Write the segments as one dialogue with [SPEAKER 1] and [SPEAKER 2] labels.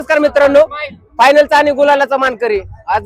[SPEAKER 1] नमस्कार मित्रांनो, फायनलचा आणि गुलालाचा मानकरी आज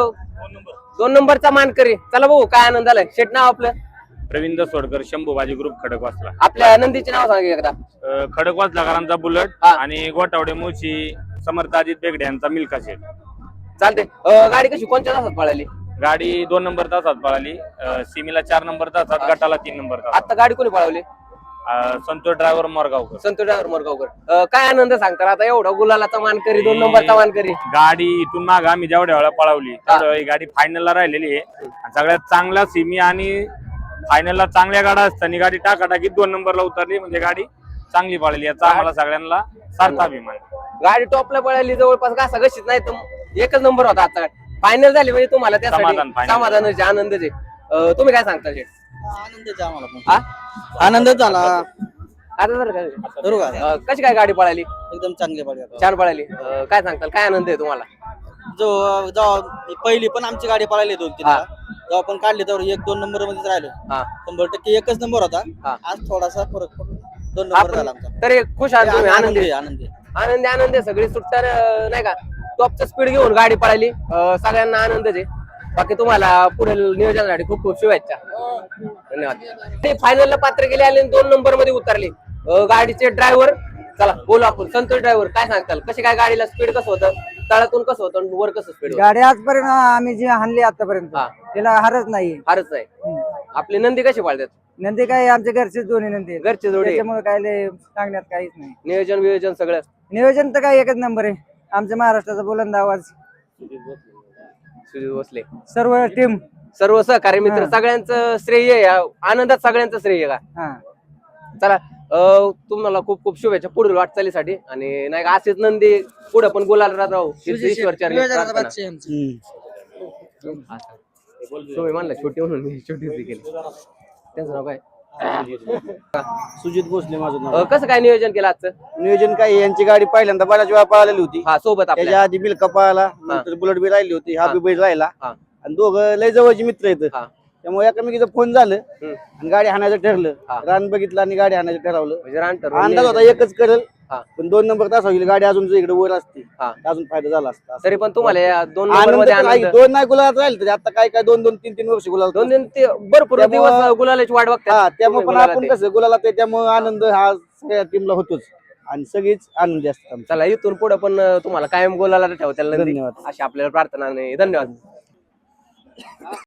[SPEAKER 1] 2 नंबरचा मानकरी. चला भाऊ, काय आनंद आलाय. शेट नाव आपलं
[SPEAKER 2] रवींद्र सोडकर, शंभूबाजी ग्रुप खडकवासला.
[SPEAKER 1] आपल्या नंदीचे नाव सांगा एकदा.
[SPEAKER 2] खडकवासलाकरांचा बुलेट आणि गोटावडे मुळशी समर्थ अजित बेगडे यांचा मिल्का शेट.
[SPEAKER 1] चालते. गाडी कशी कोणत्या तासात पळाली?
[SPEAKER 2] गाडी 2 नंबर तासात पळाली, सिमीला 4 नंबर तासात, गटाला 3 नंबर तासात.
[SPEAKER 1] आता गाडी कोणी पळवली?
[SPEAKER 2] संतोष ड्रायव्हर मोरगावकर.
[SPEAKER 1] संतोष ड्रायव्हर मोरगावकर. काय आनंद सांगतात आता एवढा गुलालाचा मानकरी, 2 नंबरचा मानकरी.
[SPEAKER 2] गाडी इथून माग आम्ही जेवढ्या वेळा पळवली तेवढ्या वेळी गाडी फायनलला राहिलेली आहे. आणि सगळ्यात चांगला सिमी आणि फायनलला चांगल्या गाड्या असताना गाडी टाकाटाकीत 2 नंबरला उतरली, म्हणजे गाडी चांगली पळाली. याचा आम्हाला सगळ्यांना सार्थ अभिमान.
[SPEAKER 1] गाडी टॉपला पळाली, जवळपास घासा घशीत नाही तर एकच नंबर होता. आता फायनल झाली म्हणजे तुम्हाला त्यासाठी समाधानाचे आनंदचे. तुम्ही काय सांगता शेठ?
[SPEAKER 3] आनंदच आम्हाला आनंदच झाला.
[SPEAKER 1] आता जर कशी काय गाडी पळाली?
[SPEAKER 3] एकदम चांगली पाडी
[SPEAKER 1] छान पळाली. काय सांगताल, काय आनंद आहे तुम्हाला?
[SPEAKER 3] जेव्हा पहिली पण आमची गाडी पळाली 2-3 जेव्हा पण काढली तेव्हा 1-2 नंबर मध्येच राहिलो. 100% एकच नंबर होता. आज थोडासा फरक पडून 2 नंबर झाला आमचा.
[SPEAKER 1] तर खुश आहात तुम्ही? आनंदी
[SPEAKER 3] आनंदी
[SPEAKER 1] आनंदी आनंदी सगळी सुट्टर नाही का, टॉपचं स्पीड घेऊन गाडी पळाली. सगळ्यांना आनंदच आहे. बाकी तुम्हाला पुढील नियोजनासाठी खूप खूप शुभेच्छा. धन्यवाद. ते फायनलला पात्र केले आणि 2 नंबर मध्ये उतरले गाडीचे ड्रायव्हर. चला बोलू आपण. संतोष ड्रायव्हर, काय सांगताल, कशी काय गाडीला स्पीड कसं होतं, तळातून कसं होतं, वर कसं स्पीड?
[SPEAKER 4] गाडी आजपर्यंत आम्ही जी हाणली आतापर्यंत त्याला हारच नाही.
[SPEAKER 1] फारच नाही. आपली नंदी कशी पाळतात?
[SPEAKER 4] नंदी काय आमच्या घरचे दोन्ही नंदी
[SPEAKER 1] घरचे जोडे,
[SPEAKER 4] त्याच्यामुळे काय लय सांगण्यात काहीच नाही.
[SPEAKER 1] नियोजन वियोजन सगळं
[SPEAKER 4] नियोजन तर काय एकच नंबर आहे. आमच्या महाराष्ट्राचा बुलंद आवाज
[SPEAKER 1] सुजित भोसले,
[SPEAKER 4] सर्व टीम,
[SPEAKER 1] सर्व सहकारी मित्र, सगळ्यांचं श्रेय आहे. आनंदात सगळ्यांचं श्रेय का? चला, तुम्हाला खूप खूप शुभेच्छा पुढील वाटचालीसाठी. आणि नाही का असेच नंदी पुढे पण गुलाल राहू. तुम्ही म्हणला छोटी म्हणून मी छोटी केली. त्यांचं नाव काय?
[SPEAKER 3] सुजित भोसले माझं नाव.
[SPEAKER 1] कसं काय नियोजन केलं आजचं?
[SPEAKER 3] नियोजन काय, यांची गाडी पहिल्यांदा बऱ्याच वेळा पळालेली होती.
[SPEAKER 1] सोबत आपल्या
[SPEAKER 3] त्याच्या आधी मिल्का पळाला, नंतर बुलेट बी राहिली होती, हा बी बैल राहिला. आणि दोघं लय जवळचे मित्र आहेत. त्यामुळे एकामेकीचं फोन झालं आणि गाडी हाणायचं ठरलं. रान बघितलं आणि गाडी हाणायचं ठरवलं. अंदाज होता एकच करेल, पण 2 नंबर तास होईल. गाडी अजून इकडे वर असते, अजून फायदा झाला असता.
[SPEAKER 1] तरी पण तुम्हाला 2
[SPEAKER 3] दोन नाही गुलाबात राहील तरी आता काय काय 2-2, 3-3 वर्ष गुलाब,
[SPEAKER 1] 2 भरपूर दिवस गुलालाची वाट बघतात.
[SPEAKER 3] त्यामुळे पण आपण कसं गुलाला ते, त्यामुळे आनंद हा सगळ्या टीमला होतोच आणि सगळीच आनंदी असतात.
[SPEAKER 1] चला, इथून पुढे पण तुम्हाला कायम गुलाला ठेवता.
[SPEAKER 3] धन्यवाद.
[SPEAKER 1] अशी आपल्याला प्रार्थना नाही. धन्यवाद.